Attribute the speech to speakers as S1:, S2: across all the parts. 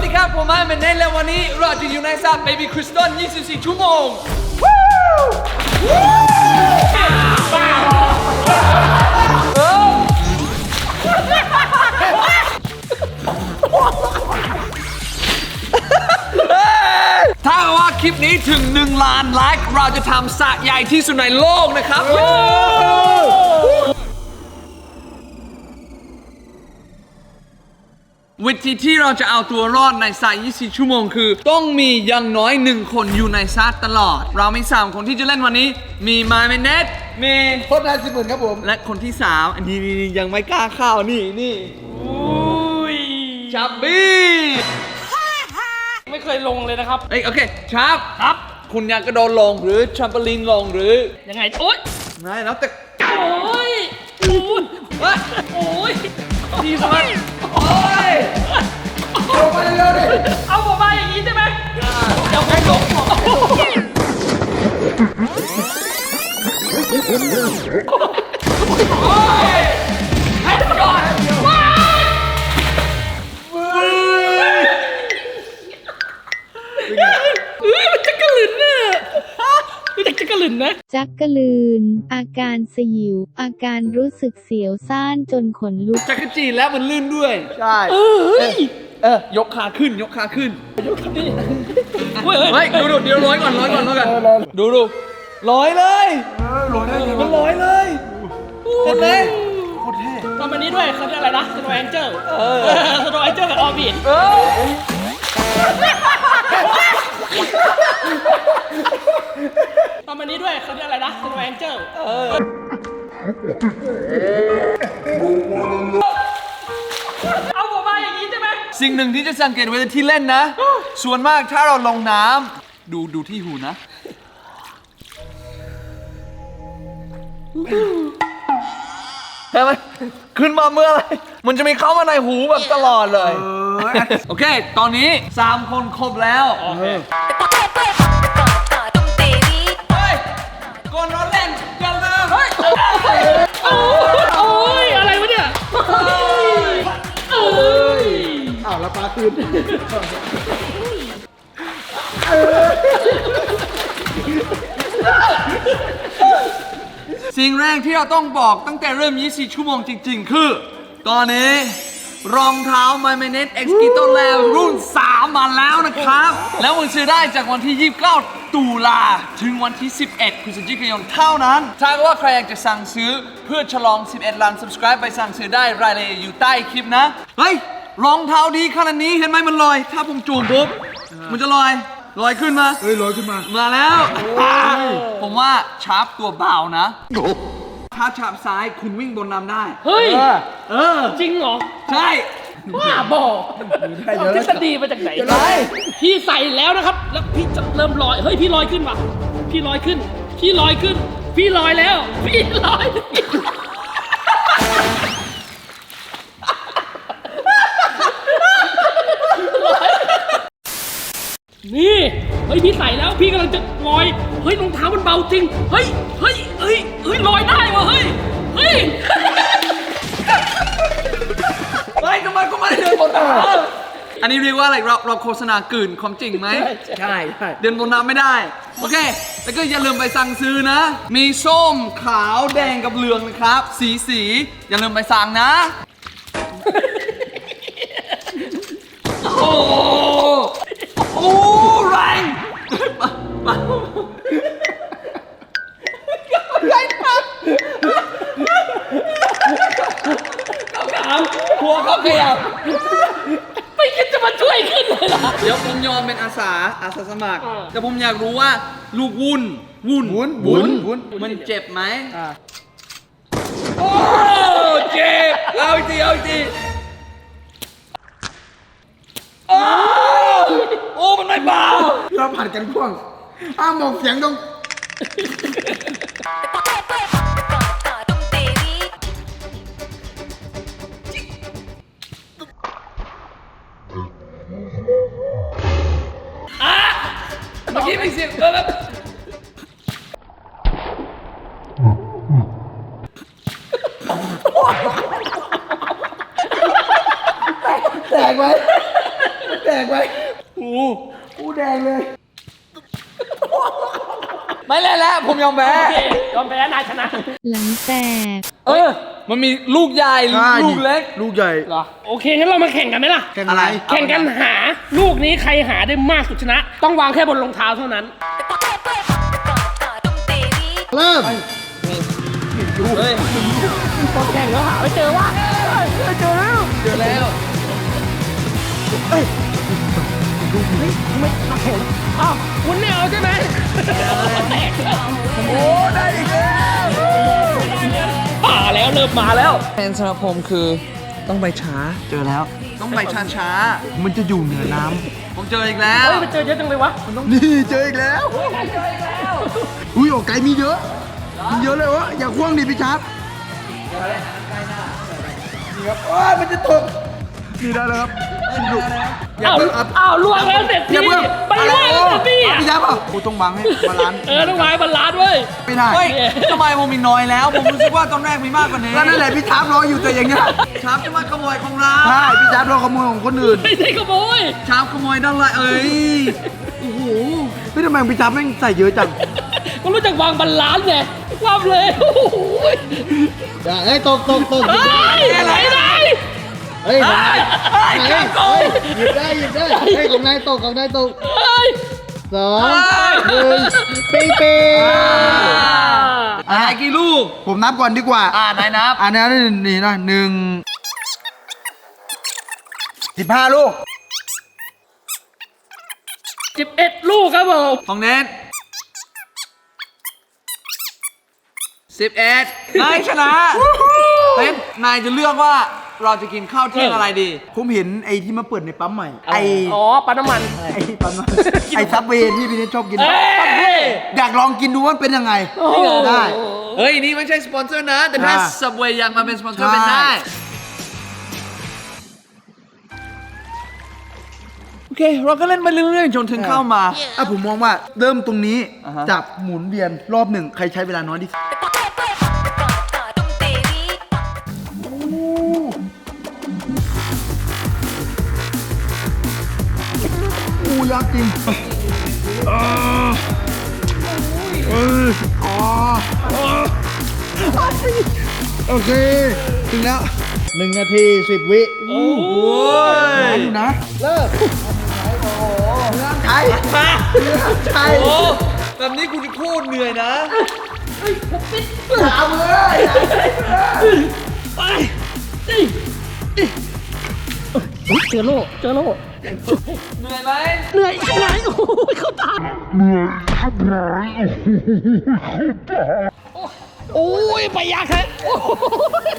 S1: ดีครับผมมาเป็นเนทและวันนี้เราจะอยู่ในซาเบบี้คริสตัล24 ชั่วโมงถ้าว่าคลิปนี้ถึง1 ล้านไลค์เราจะทำสระใหญ่ที่สุดในโลกนะครับวิธีที่เราจะเอาตัวรอดในสระ24 ชั่วโมงคือต้องมีอย่างน้อย1 คนอยู่ในสระตลอดเรามี3 คนที่จะเล่นวันนี้มีมาเมเนตมี
S2: โคตรนาย10,000ครับผม
S1: และคนที่3อันนี้ยังไม่กล้าเข้านี่ชับบี้
S3: ไม่เคยลงเลยนะครับ
S1: โอเคชับครับคุณอยากกระโดดลงหรือแทรัมโปลีนลงหรือ
S3: ยังไงโอ๊ย
S1: ไม่แล้วแต่
S3: โอ๊ยโอ๊ย
S1: ดีสุดโอ๊ย
S2: ลงไปเร็วๆดิ
S3: เอาผมมาอย่างนี้ใช่ไหมเดี๋ยวผมลง
S1: โอ๊ยให้ก่อน
S3: มันจักรลินน่ะมันจักรลินนะ
S4: จักรลืนอาการสยิวอาการรู้สึกเสียวซ่านจนขนลุก
S1: จักรจีแล้วมันลื่นด้วย
S2: ใช่
S1: ยกขาขึ้นยกขาขึ้น
S3: นี่
S1: เฮ้ยดูเดี๋ยวร้อยก่อนดูลอยเลย
S2: ลอยได้เลย
S1: มันลอยเลยเห็นไหม
S2: โคตรเท่
S3: ทำอันนี้ด้วยเขาเรียกอะไรนะสโนว์แองเจิลสโนว์แองเจิลกับออร์บิททำอันนี้ด้วยเขาเรียกอะไรนะสโนว์แองเจิลเอาผมมาอย่างนี้ใช่ไหม
S1: สิ่งหนึ่งที่จะสังเกตเวลาที่เล่นนะส่วนมากถ้าเราลงน้ำดูที่หูนะใช่ไหมขึ้นมาเมื่อไรมันจะมีเข้ามาในหูแบบตลอดเลยโอเคตอนนี้3 คนครบแล้วก่อนนอนเล่นกันเลย
S3: โอ้ยอะไรวะเนี่ย
S2: อ้าวแล้วปลาคืน
S1: สิ่งแรกที่เราต้องบอกตั้งแต่เริ่ม24 ชั่วโมงจริงๆคือตอนนี้รองเท้า My Minute X Keto Lab รุ่น 3 มาแล้วนะครับแล้วมันซื้อได้จากวันที่ 29 ตุลาถึงวันที่ 11 พฤศจิกายนเท่านั้นถ้าว่าใครอยากจะสั่งซื้อเพื่อฉลอง 11 ล้าน Subscribe ไปสั่งซื้อได้รายละเอียดอยู่ใต้คลิปนะเฮ้ยรองเท้าดีขนาดนี้เห็นไหมมันลอยถ้าผมจูงปุ๊บมันจะลอยขึ้นมา
S2: ลอยขึ้นมา
S1: แล้วผมว่าชาร์ปตัวเบานะถ้าชาร์ปซ้ายคุณวิ่งบนน้ำได้
S3: เฮ้ยจริงเหรอ
S1: ใช่
S3: ว่าบอกทฤษฎีมาจากไหนพี่ใส่แล้วนะครับแล้วพี่จะเริ่มลอยเฮ้ยพี่ลอยขึ้นว่ะพี่ลอยขึ้นพี่ลอยแล้วพี่ลอยนี่เฮ้ยพี่ใส่แล้วพี่กำลังจะลอยเฮ้ยรองเท้ามันเบาจริงเฮ้ยลอยได้วะเฮ้ย
S1: ทำไมก็ไม่ได้เดินบนน้ำอันนี้เรียกว่าอะไรเราโฆษณากลืนความจริงไหม
S2: ใช่
S1: เดินบนน้ำไม่ได้โอเคแล้วก็อย่าลืมไปสั่งซื้อนะมีส้มขาวแดงกับเหลืองนะครับสีอย่าลืมไปสั่งนะโอ้แรงหัวเขาขยับ
S3: ไม่คิดจะมาช่วยขึ้นเลยล่ะ
S1: เดี๋ยวผมยอมเป็นอาสาสมัครแต่ผมอยากรู้ว่าลูกวุ้นมันเจ็บไหมโอ้เจ็บเอาอีกทีโอ้มันไม่เบา
S2: เราผัดกันพ่วงหมอกเสียงตรง
S1: เมื่อกี้ไม่เสียงแบบ
S2: แตกไหมแตกไปกูแดงเลย
S1: ไม่เล่นแล้วผมยอมแพ้
S3: โอเคยอมแพ้นายชนะ
S4: หลังแตก
S1: มันมีลูกใหญ่ลูกเล็ก
S2: ลูกใหญ่
S3: เหรอโอเคงั้นเรามาแข่งกันไหมล่ะ
S2: แข่งอะไร
S3: แข่งกันหาลูกนี้ใครหาได้มากสุดชนะ ต้องวางแค่บนรองเท้าเท่านั้น
S2: เริ่ม
S1: เฮ้ย
S3: ตอนแข่งแล้วหาไม่เจอว่ะเจอแล้ว
S1: เจอแล้ว
S3: ไม่นักแข่งอ้าวคุณไม่เอาใช่ไหมแตกแล้ว
S1: โอ้ได้อีกแล้ว
S3: มาแล้วเริ่มมาแล้ว
S1: แผนสำหรับผมคือต้องไปช้าเจอแล้ว ต้องไปช้า
S2: มันจะอยู่เหนือน้
S1: ๆผมเจออีกแล้ว
S3: เฮ้ยมันเจอเยอะจังเลยวะ
S2: ำนี่เจออีกแล้วอุ้ยโอ้ไก่มีเยอะมีเยอะเลยวะอย่าคว้างดิพี่ชับนี่ครับว้ามันจะตกนี่ได้แล้วครับดูอย่า
S3: อ้าว
S2: เพิ่งอัพ
S3: อ้าวล่วงแล้วเสร็จ
S2: อ
S3: พี่
S2: ย่าเพิ่ง
S3: ไปล่วงแล้วเสร็จพี่อ่ะ
S2: พี่ชับเปล่ากูต้องบังให้บาลานซ์
S3: ต้องวางบรรลัดเว้ย
S2: ไม่ได้
S1: เฮ้ยทำไมผมมีน้อยแล้ว ผมรู้สึกว่าตอนแรกมีมากกว่านี้
S2: ก็นั่นแหละพี่ชับรออยู่แต่อย่างเงี้ย
S1: ชาร์ปจะมาขโมยของเรา
S2: ใช่พี่ชับรอขโมยของคนอื่น
S3: ไม่ใช่ขโมย
S1: ชาร์ปขโมยได้ไรเอ้ยโอ้โห
S2: พี่ทำไมพี่ชับแม่งใส่เยอะจัง
S3: ก็รู้จักวางบรรลัดไงความเลยโอ้โห
S2: เฮ้ยตก
S3: เฮ้ยอะไรไหน
S2: เฮ้ย
S1: เฮ้ยเฮ้ยโกง
S2: หยิบได้เฮ้ยของนายตก
S3: เฮ้ย
S2: 2 1ปิ๊ง
S1: อะไรกี่ลูก
S2: ผมนับก่อนดีกว่า
S1: นายนับ
S2: อันนี้นี่นะ15 ลูก
S3: 11 ลูกครับผม
S1: ของเน็ต11นายชนะเน็ตนายจะเลือกว่าเราจะกินข้าวเที่ยงอะไรดี
S2: ผมเห็นไอ้ที่มาเปิดในปั๊มใหม่
S3: อ๋อปลาน้ำมัน
S2: ไอ้ปั๊มน้ำมันไอ้ซับเวย์ที่พี่เนทชอบกิน
S3: เอ้ย
S2: อยากลองกินดูว่ามันเป็นยังไง
S3: โอ้โห
S2: ได้
S1: เฮ้ย นี่ไม่ใช่สปอนเซอร์นะ แต่ถ้า Subway อยากมาเป็นสปอนเซอร์เป็นได้ โอเค เราก็เล่นไปเรื่อยๆ จนถึงเข้ามา
S2: ผมมองว่าเริ่มตรงนี้
S1: อ่าฮะ
S2: จับหมุนเวียนรอบหนึ่งใครใช้เวลาน้อยที่สุดอู้ยากจริงโอเค ถึงแล้ว 1 นาที 10 วิ
S3: โอ้โห
S2: นานอยู่นะ เลิกเรื่องไทยเรื่องไทย
S1: โอ้แบบนี้กูจะโคตรเหนื่อยนะ
S2: ถามเลย
S3: ไปเจอโล่
S1: เหนื่อยไหม
S3: เหนื่อยไหนโอ้ยเข้าตาโอ้ยไปยากแท้โอ้ย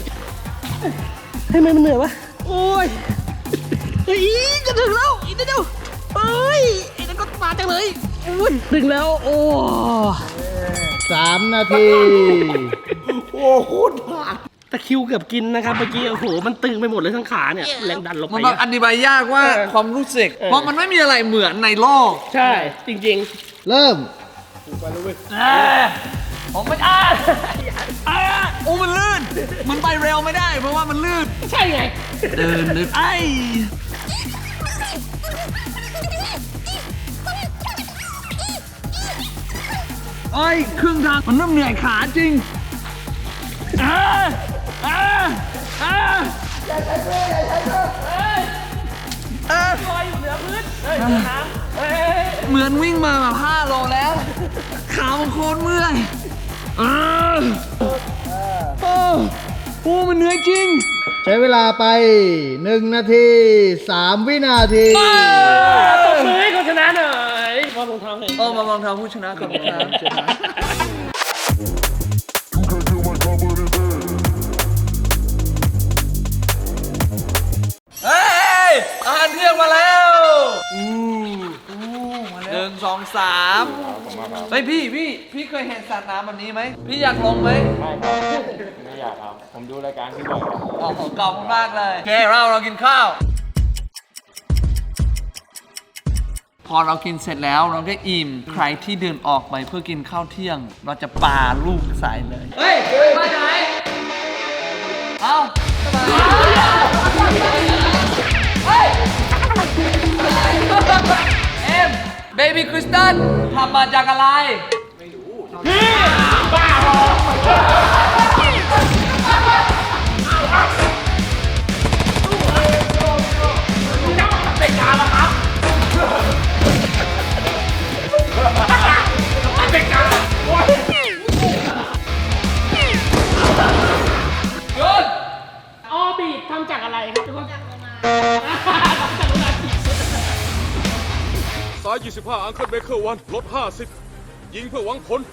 S3: ให้มันเหนื่อยวะโอ้ยเฮ้ยจะถึงแล้วอีกนิดเดียวเฮ้ยไอ้นั่นก็มาจังเลยโอ้ยถึงแล้วโอ้
S2: 3 นาที โอ้โหผ่าน
S3: ตะคริวเกือบกินนะครับเมื่อกี้โอ้โหมันตึงไปหมดเลยทั้งขาเนี่ยแรงดันลง
S1: มัน
S3: ไป
S1: แบบอธิบายยากว่าความรู้สึก เพราะมันไม่มีอะไรเหมือนในโลก
S3: ใช่จริง
S2: เริ่ม
S1: ผมไม่โอ้มันลื่น มันไปเร็วไม่ได้ เพราะว่ามันลื่น
S3: ๆ ใช่ไง
S1: เดินไอ้ครึ่งทางมันเริ่มเหนื่อยขาจริง
S3: ลอยอยู่เหนือพื้น
S1: เหมือนวิ่งมาแบบ5 โลแล้ว ขามันโคตรเมื่อยโอ้มันเหนื่อยจริง
S2: ใช้เวลาไป 1 นาที 3 วินาที
S3: ตบมือให้คนชนะหน่อยมารองเท้าเลย
S1: มามองทางผู้ชนะครับเฮ้ยอาหารเที่ยงมาแล้ว1 2 3เฮ้ยพี่เคยเห็นสัตว์น้ำแบบนี้ไหมพี่อยากลงไหม
S5: ไม่อยากครับ ผมดูรายการที่บอก
S1: อ๋อขอบคุณมากเลยโอเคเรากินข้าว พอเรากินเสร็จแล้วเราก็อิ่มใครที่เดินออกไปเพื่อกินข้าวเที่ยง เราจะปาลูกใส่เลย เฮ้ยมาไหนเอ้าเฮ้ยเอ็มเบบี้คริสตัลทำมาจากอะไร หยุด
S3: ออบีททำจากอะไรครับทุกคนจากโลมา
S6: สาย 25 อังเคิลเบเกอร์วันลด 50 ยิงเพื่อหวังผล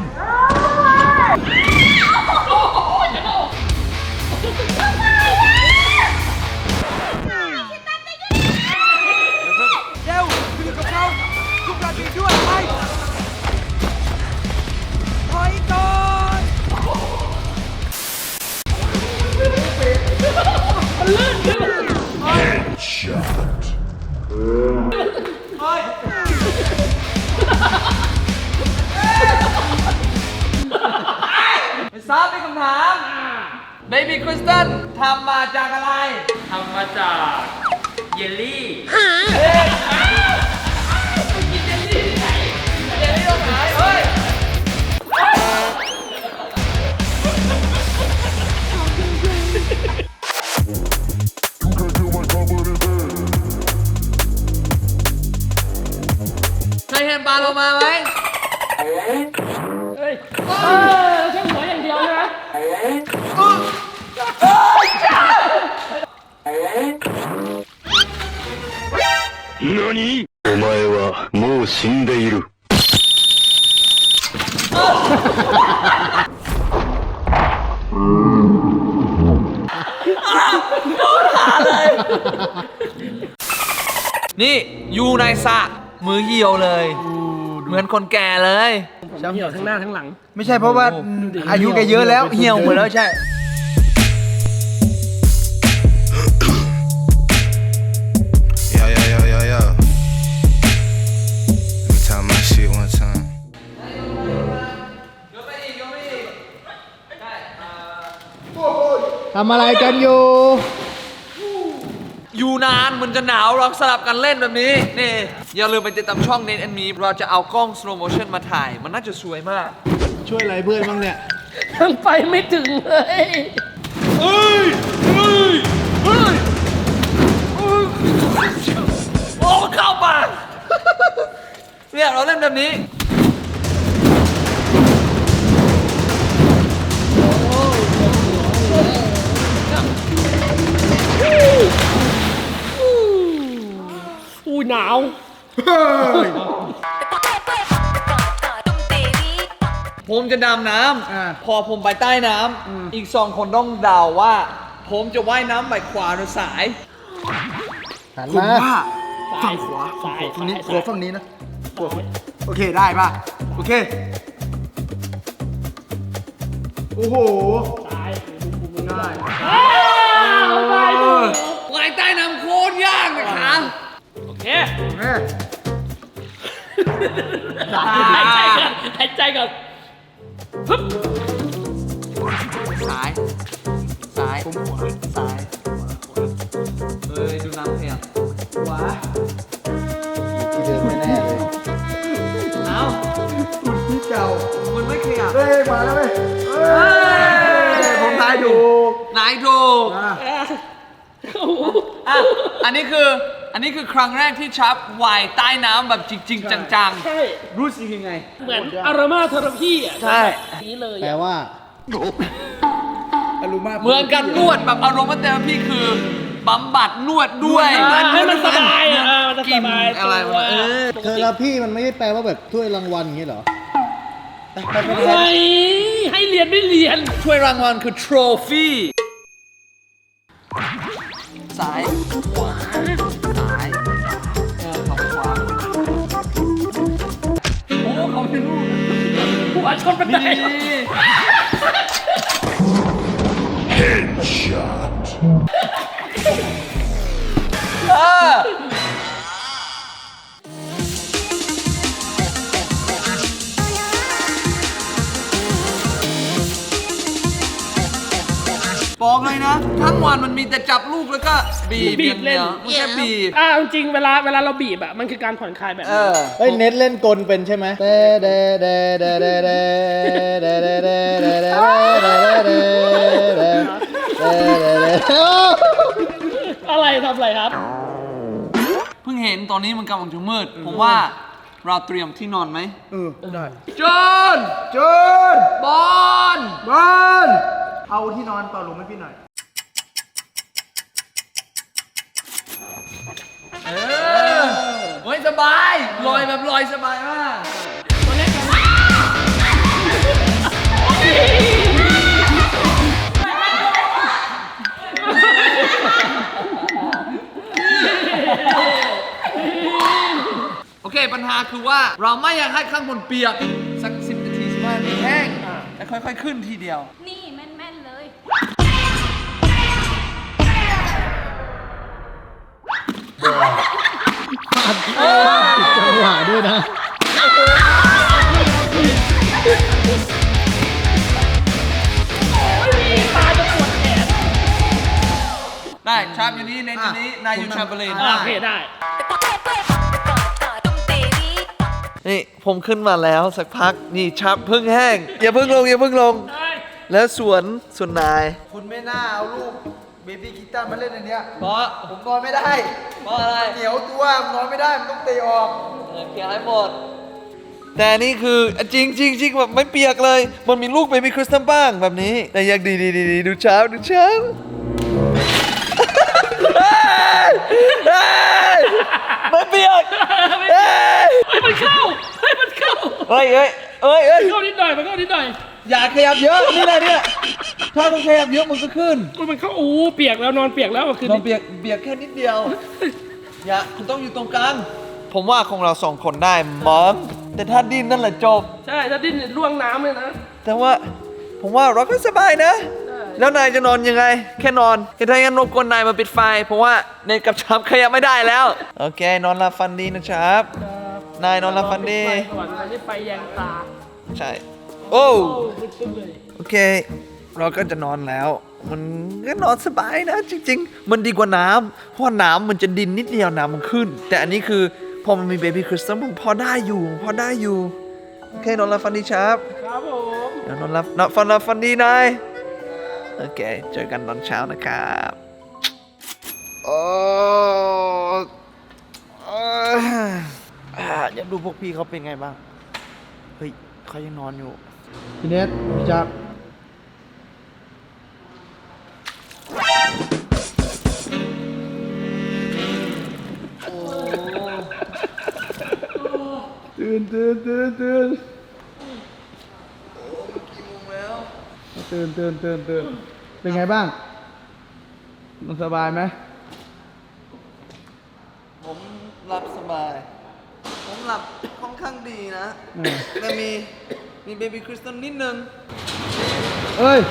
S1: ไม่ทราบเป็นคำถามเบบี้คริสตัลทำมาจากอะไร
S5: ทำมาจากเยลลี่
S1: เดี๋ยวนี้ต้องหายเฮ้ย ใครเห็นปลาโลมาไหม
S3: เฮ้ยแค่หัวอย่างเดียวใช่ไหม
S7: 何？お前はもう死んでいる。
S1: นี่อยู่ในสระมือเหี่ยวเลย เหมือนคนแก่เลย
S3: เหี่ยวทั้งหน้าทั้งหลัง
S2: ไม่ใช่เพราะว่าอายุแกเยอะแล้วเหี่ยวหมดแล้วใช่
S8: Yo, yo, yo, yo, yo. Let me tell my shit one time.
S2: ทำอะไรกันอยู่
S1: อยู่นานมันจะหนาวเราสลับกันเล่นแบบนี้ นี่ อย่าลืมไปติดตามช่องเนทแอนมีเราจะเอากล้อง slow motion มาถ่าย มันน่าจะสวยมาก
S2: ช่วยอะไรเพื่อนบ้างเนี่ย
S3: ยังไปไม่ถึงเลย
S1: เฮ้ย เฮ้ย เฮ้ย โอ้เข้าปากเนี่ยเราเล่นแบบนี้
S3: อู้หนาว
S1: ผมจะดำน้ำพอผมไปใต้น้ำอีก2 คนต้องเดาว่า ผมจะว่ายน้ำไปขวาหรือซ้าย
S2: หันผม
S3: ซ้
S2: ว่า
S3: าย
S2: ฝั่งขวา
S3: ซ้าย
S2: ฝั่งนี้
S3: ซ้าย
S2: ขวาฝั่งนี้นะขวาโอเคได้ป่ะ โอเค โอ้โห
S3: ซ้าย
S2: ง่าย
S1: ว่ายใต้น้ำโคตรยากเลยครับ
S3: โอเค
S2: แม่
S3: หายใจก่อนหายใจก่อนฮึบ
S1: ซ้าย ซ้ายผมขวาซ้ายเฮ้ย ดูน้ำเพียงขวา
S2: ที่เดิมไม่แน่เลย
S1: เอ้า
S2: ที่เก่า
S1: มันไม่ขยับ
S2: เฮ้ยมาแล้วเว้ยเฮ้ยผมทายถูก
S1: นายถูก
S2: อ่ะ
S3: โอ้โห
S1: อ่ะ อันนี้คือครั้งแรกที่ชับว่ายใต้น้ำแบบจริง ๆ จัง
S3: ใช่
S2: รู้สึกยังไง
S3: เหมือนอารามาเทอราพีอ่ะ
S1: ใช่
S3: นี้เลย
S2: แปลว่าอารมณ์
S1: ๆ เหมือนกันนวดแบบอารมณ์เตอร์พี่คือบำบัดนวดด้วย
S3: ให้มันสบายอ่ะมันจะสบาย
S1: อะไร
S3: ตัว
S1: วะ
S2: เทอราพี่มันไม่ได้แปลว่าแบบถ้วยรางวัลอย่างเงี้ยเหรอ
S3: เฮ้ยให้เรียนไม่เรียน
S1: ช่วยรางวัลคือ trophy ซ้ายขวาซ้ายขวาโอ้เขาเป็นลูก
S3: หัวชนบันได
S1: บอกเลยนะทั้งวันมันมีแต่จับลูกแล้วก็บีบ
S3: บีบเล่น
S1: มันแค่บีบ
S3: จริงๆเวลาเราบีบอะมันคือการผ่อนคลายแบบ
S1: เอ
S3: นี้
S1: อ
S2: เฮ้ยเน็ตเล่นกลเป็นใช่ไหมเดเดเดเดเดเดเดเดเดเดเดเดเด
S3: อะไรทำอะไรครับ
S1: เพิ่งเห็นตอนนี้มันกำลังจะมืด ผมว่าเราเตรียมที่นอนไหม
S2: ได้
S1: จน
S2: จน
S1: บอล
S2: บอลเอาที่นอนเป่าลมให้พี่หน่อย
S1: เฮ้ยสบายลอยแบบลอยสบายมาก โอเคปัญหาคือว่าเราไม่อยากให้ข้างบนเปียกสัก10 นาที15 นาทีแห้งแล้วค่อยๆขึ้นทีเดียว
S9: นี่แม่นๆเลย
S2: จังหวะด้วยนะ
S1: ได้ชาร์ปอยู่นี่เน้นอยู่นี่นายอยู่ชาร์ปเลน
S3: โอเคได้
S1: นี่ผมขึ้นมาแล้วสักพักนี่ชาร์ปเพิ่งแห้งอย่าเพิ่งลงอย่าเพิ่งลง แล้วส่วนนาย
S2: คุณไม่น่าเอาลูกเบบี้กีตาร์มาเล่นอันเนี้ย
S1: เพราะ
S2: ผมนอนไม่ได้
S1: เพราะอะไร
S2: เหนียวตัวนอนไม่ได้ มันต้องเตะออก
S1: เคลียร์ให้หมดแต่นี่คือจริงจริงจริงแบบไม่เปียกเลย มันมีลูกเบบี้คริสตัลบ้างแบบนี้ แต่อยากดีดูเช้าดูเช้าไม่เปียกเฮ้ย
S3: มันเข้ามันเข้า
S1: เฮ้ย
S3: เข้านิดหน่อยมันเข้านิดหน่อย
S1: อย่าขยับเยอะนี่แหละเนี่ยถ้าต้องขยับเยอะมันก็ขึ้น
S3: มันเข้าเปียกแล้วนอนเปียกแล้วคือ
S1: เราเบียกแค่นิดเดียว อย่าคุณต้องอยู่ตรงกลาง ผมว่าของเรา2 คนได้มั้งแต่ถ้าดิ้นนั่นแหละจบ
S3: ใช่ถ้าดิ้นล่วงน้ำเลยนะ
S1: แต่ว่าผมว่าเราก็สบายนะ แล้วนายจะนอนยังไง แค่นอนถ้าอย่างนั้นรบกวนนายมาปิดไฟ เพราะว่าในกับชับขยับไม่ได้แล้ว โอเค นอนหลับฝันดีนะครับ นายนอนหลับฝันดี
S3: ไปก่อนไปนี่ไปแยงตา
S1: ใช่ โอ้
S3: ตึ้งเลย
S1: โอเค เราก็จะนอนแล้ว มันก็นอนสบายนะจริงๆ มันดีกว่าน้ำเพราะน้ำมันจะดินนิดเดียวน้ำมันขึ้น แต่อันนี้คือพอมันมีเบบี้คริสตัลมันพอได้อยู่ โอเคนอนหลับฝันดีครับ
S3: ครับผม
S1: เดี๋ยวนอนหลับฝันดีนาย โอเค เจอกันตอนเช้านะครับอยากดูพวกพี่เขาเป็นไงบ้าง เฮ้ยเขายังนอนอยู่
S2: พี่เน็ตพี่จับตื่นเป็นไงบ้าง มันสบายไหม
S1: ผมหลับสบาย ผมหลับค่อนข้างดีนะ แต่มีเบบี้คริสตัลนิดนึง
S2: เอ้ย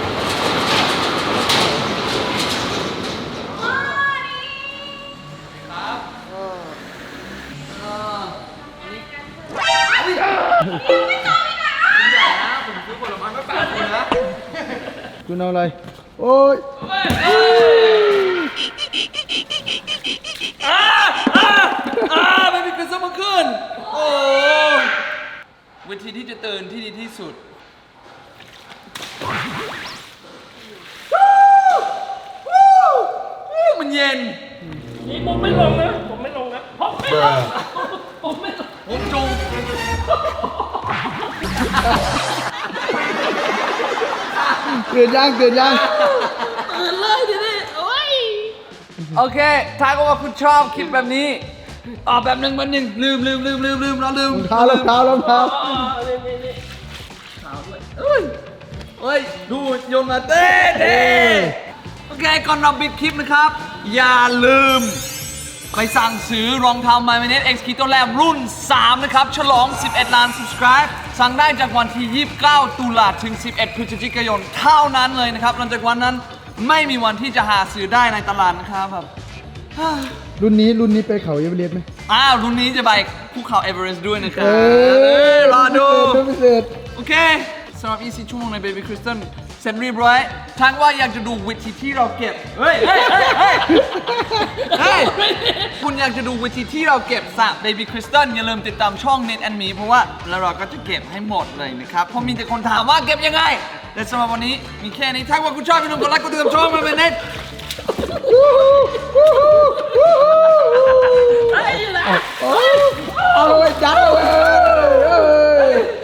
S2: คุณเอาอะไร โอ้ย
S1: เบบี้คริสตัลมาขึ้น โอ้วิธีที่จะตื่นที่ดีที่สุด มันเย็น
S3: นี่ผมไม่ลงนะผมไม่ลงผมไม่ลง
S1: ผมจุง
S2: เกิดยัง
S3: ตื่นเลยดิโอ้ย
S1: โอเค ถ้าก็ว่าคุณชอบคลิปแบบนี้แบบหนึ่งลืมเราลืม
S2: รองเท้ารองเท้า
S1: เฮ้ย ดูโยนมาเต้โอเค ก่อนเราปิดคลิปนะครับ อย่าลืม ไปสั่งซื้อรองเท้า My Minute X Keto Lab รุ่น 3 นะครับ ฉลอง 11 ล้าน subscribe สั่งได้จากวันที่ 29 ตุลาถึง 11 พฤศจิกายน เท่านั้นเลยนะครับ หลังจากวันนั้นไม่มีวันที่จะหาซื้อได้ในตลาดนะครับแบบ
S2: รุ่นนี้ไปเขาเอเวอเรสต์ไหม
S1: รุ่นนี้จะไปภูเขาเอเวอเรสต์ด้วยนะครับ
S2: เออ
S1: รอดู
S2: พิเศษ
S1: โอเคสำหรับ24 ชั่วโมงใน Baby Crystal เสร็จเรียบร้อยทางว่าอยากจะดูวิธีที่เราเก็บ เฮ้ย คุณอยากจะดูวิธีที่เราเก็บสระ Baby Crystal อย่าลืมติดตามช่อง Net and Me เพราะว่าแล้วเราก็จะเก็บให้หมดเลยนะครับเพราะมีแต่คนถามว่าเก็บยังไงแต่สำหรับวันนี้มีแค่นี้ถ้าว่าคุณชอบอย่าลืมกดไลค์กดติดตามช่องมาเป็นเน็ต